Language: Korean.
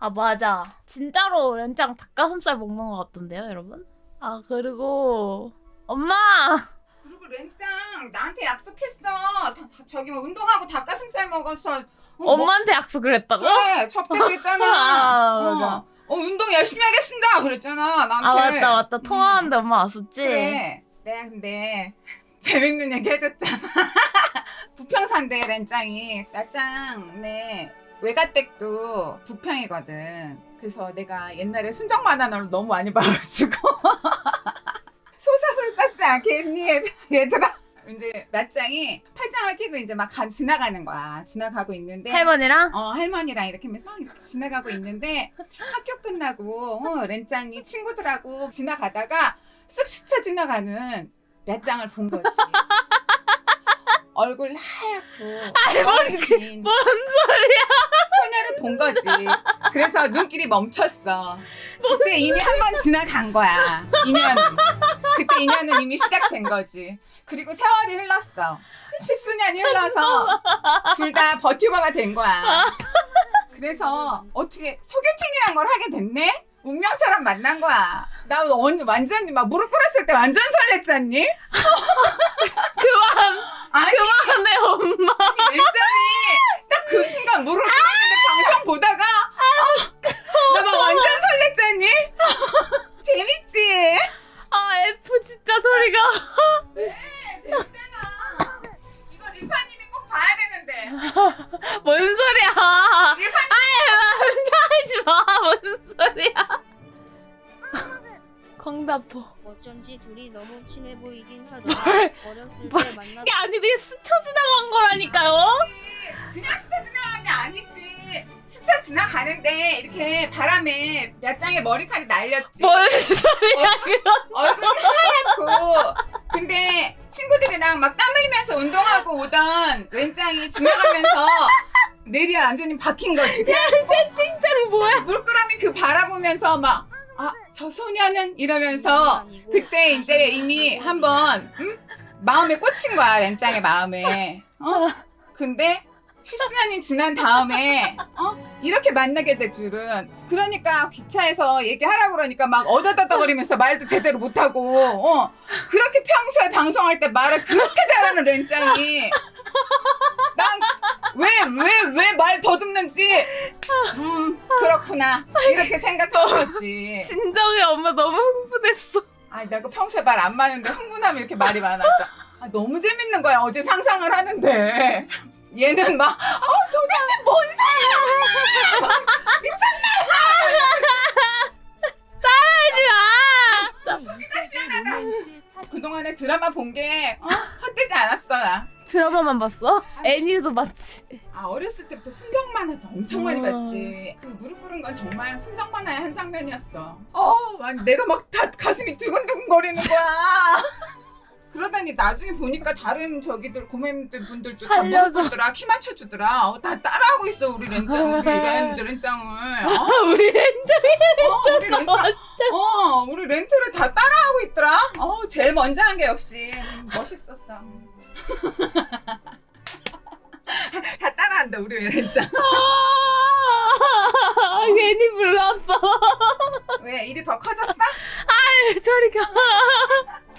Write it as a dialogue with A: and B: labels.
A: 아, 맞아. 진짜로 렌짱 닭가슴살 먹는 것 같던데요, 여러분? 아, 그리고 엄마!
B: 그리고 렌짱 나한테 약속했어. 저기 뭐 운동하고 닭가슴살 먹어서
A: 엄마한테 약속을 했다고?
B: 그래 접대 그랬잖아.
A: 아, 맞아.
B: 운동 열심히 하겠습니다 그랬잖아 나한테.
A: 아, 맞다, 맞다. 통화하는데 엄마 왔었지?
B: 그래. 내가 근데 재밌는 얘기 해줬잖아. 부평산대 렌짱이 나짱 내 외가댁도 부평이거든. 그래서 내가 옛날에 순정 만화를 너무 많이 봐가지고 소사설 쌓지 않겠니 얘들아. 이제 나짱이 팔짱을 끼고 이제 막 지나가는 거야. 지나가고 있는데
A: 할머니랑?
B: 할머니랑 이렇게 하면서 이렇게 지나가고 있는데 학교 끝나고 렌짱이 친구들하고 지나가다가 쓱 스쳐 지나가는 야짱을 본 거지. 얼굴 하얗고
A: 할머니,
B: 긴
A: 뭔 소리야?
B: 소녀를 본 거지. 그래서 눈길이 멈췄어. 그때 이미 한 번 지나간 거야. 인연은. 그때 인연은 이미 시작된 거지. 그리고 세월이 흘렀어. 십수년이 흘러서 둘 다 버튜버가 된 거야. 그래서 어떻게 소개팅이란 걸 하게 됐네? 운명처럼 만난 거야. 나 완전히 막 무릎 꿇었을 때 완전 설렜잖니?
A: 그만!
B: 아니,
A: 그만해, 엄마!
B: 렌짱이 딱 그 순간 무릎 꿇었는데 방송 보다가 나 막 완전 설렜잖니? 재밌지?
A: 아, F 진짜 소리가.
B: 네, 재밌잖아. 이거 릴파님이 꼭 봐야 되는데.
A: 뭔 소리야?
B: 릴파님
A: 하지 마. 뭔 소리야? 광다포.
C: 어쩐지 둘이 너무 친해 보이긴 하더라. 어렸을
A: 뭘.
C: 때 만나.
A: 이게 아니 그냥 스쳐 지나간 거라니까요.
B: 그냥 스쳐 지나가는 게 아니지. 스쳐 지나가는데 이렇게 바람에 몇 장의 머리카락이 날렸지.
A: 뭔 소리야 그건?
B: 얼굴이 하얗고. 근데 친구들이랑 막 땀 흘리면서 운동하고 오던 렌짱이 지나가면서 뇌리에 완전히 박힌 거지.
A: 채팅창 뭐야?
B: 물끄러미 그 바라보면서 막 저 소녀는 이러면서 그때 이제 이미 한번 마음에 꽂힌 거야 렌짱의 마음에. 근데 10수년이 지난 다음에 이렇게 만나게 될 줄은. 그러니까 기차에서 얘기하라고 그러니까 막 어다다다거리면서 말도 제대로 못하고 그렇게 평소에 방송할 때 말을 그렇게 잘하는 렌짱이 난 왜 말 더듬는지 그렇구나 이렇게 생각한 거지.
A: 진정해 엄마 너무 흥분했어.
B: 아, 내가 평소에 말 안 많은데 흥분하면 이렇게 말이 많아져. 너무 재밌는 거야. 어제 상상을 하는데 얘는 막 도대체 뭔 소리야 막, 미쳤나
A: 따라하지 마.
B: 속이다 시원하다. 그동안에 드라마 본 게 헛되지 않았어 나.
A: 드라마만 봤어? 애니도 봤지.
B: 어렸을 때부터 순정 만화도 엄청 많이 봤지. 그 무릎 꿇은 건 정말 순정 만화의 한 장면이었어. 아니, 내가 막 다 가슴이 두근두근 거리는 거야. 그러다니 나중에 보니까 다른 저기들 고매님들 분들도 다 무릎
A: 살려줘.
B: 꿇더라. 키 맞춰주더라. 다 따라하고 있어 우리 렌짱. 우리 렌짱을.
A: 우리 렌짱이
B: 우리 렌짱. 우리 렌트를 다 따라하고 있더라. 제일 먼저 한 게 역시 멋있었어. 다 따라한다 우리 렌짱.
A: 괜히 불렀어.
B: 왜 일이 더 커졌어?
A: 저리 가.